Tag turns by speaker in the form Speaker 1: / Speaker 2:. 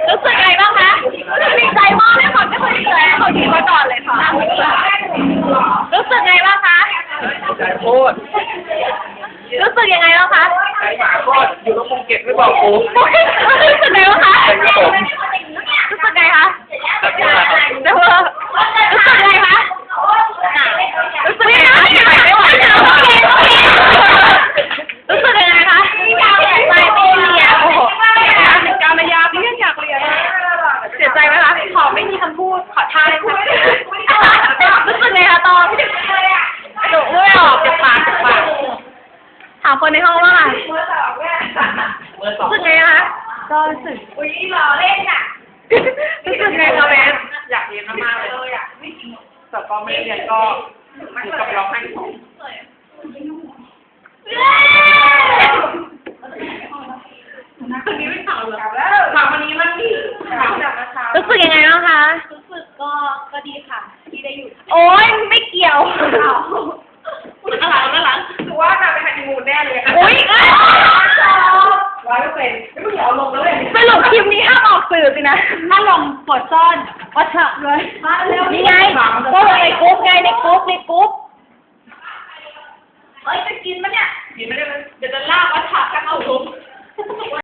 Speaker 1: รู้สึกไงบ้างคะดีใจมากเลยค่ะไม่เคยเจอเขาทีมาก่อนเลยค่ะรู้สึกไงบ้างคะ
Speaker 2: ใจโคตร
Speaker 1: รู้สึกยังไงบ้างคะ
Speaker 2: ใจหมาโคตรอยู่ตรงภูเก็ตไม่บอกกู
Speaker 1: รู้สึกไงบ้างคะรู้สึกไงคะเดี๋ยวรู้สึกไงคะรู้สึกไงคะไม่ไหวแล้วรู้สึกยังไงคะไม่เรียนโอ้โหการมายาพี่อยากเรียนเสียใจไหมคะขอไม่มีคำพูดขอท่าได้ไหมรู้สึกไงคะตอนหนูไม่ออกจากปากถามคนในห้องว่ารู้สึกไงคะก็รู้สึกอุ้ยหล่อเล่นอ่ะรู้สึกไงคะแม่
Speaker 2: อยากเรียนมากๆเลยแต่ก็ไม่เรียนก็อยู่กับร้องไห้ของคนนี้ไม่ข่าวเหรอข่าววันนี้มันข่าวจากเช้า
Speaker 1: รู้สึกยังไงบ้างคะ
Speaker 3: รู้สึกก็ดีค่ะที่ได้อยู่
Speaker 1: โอ๊ยไม่เกี่ยว
Speaker 2: ข้างหลังคือว่าจะไปฮันนีมูนแน่เลยค่ะ
Speaker 1: อุ้ย
Speaker 2: 100%ไม่อยากเอาลงแล้วเลย
Speaker 1: สรุปคลิปนี้ห้ามออกสื่อสินะ
Speaker 3: ถ้าลงกดซ่อนก็เถอะเลย
Speaker 1: นี่ไงก็ลงในกรุ๊ปไง